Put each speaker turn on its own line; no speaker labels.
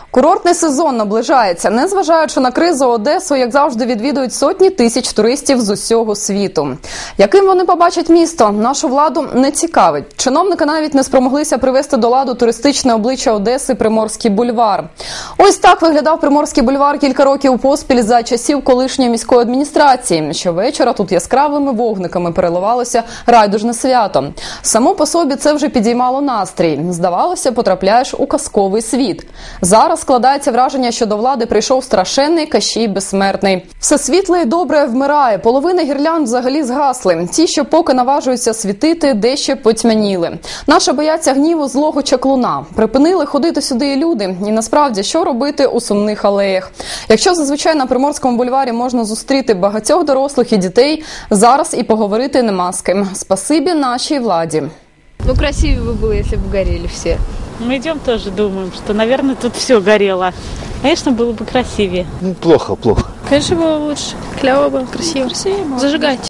Курортний сезон наближається. Незважаючи на кризу, Одесу, як завжди, відвідують сотні тисяч туристів з усього світу. Яким вони побачать місто, нашу владу не цікавить. Чиновники навіть не спромоглися привести до ладу туристичне обличчя Одеси Приморський бульвар. Ось так виглядав Приморський бульвар кілька років поспіль за часів колишньої міської адміністрації. Щовечора тут яскравими вогниками переливалося райдужне свято. Само по собі це вже підіймало настрій. Здавалося, потрапляєш у казковий світ. Зараз складається враження, що до влади прийшов страшенний Кащій безсмертний. Все світле і добре вмирає. Половина гірлянд взагалі згасли. Ті, що поки наважуються світити, дещо потьмяніли. Наші бояться гніву злого чаклуна. Припинили ходити сюди і люди. І насправді, що робити у сумних алеях? Якщо зазвичай на Приморському бульварі можна зустріти багатьох дорослих і дітей, зараз і поговорити нема з ким. Спасибі нашій владі.
Ну, красивее бы было, если бы горели все.
Мы идем тоже, думаем, что, наверное, тут все горело. Конечно, было бы красивее.
Плохо.
Конечно, было лучше. Клево было, красиво. Зажигать.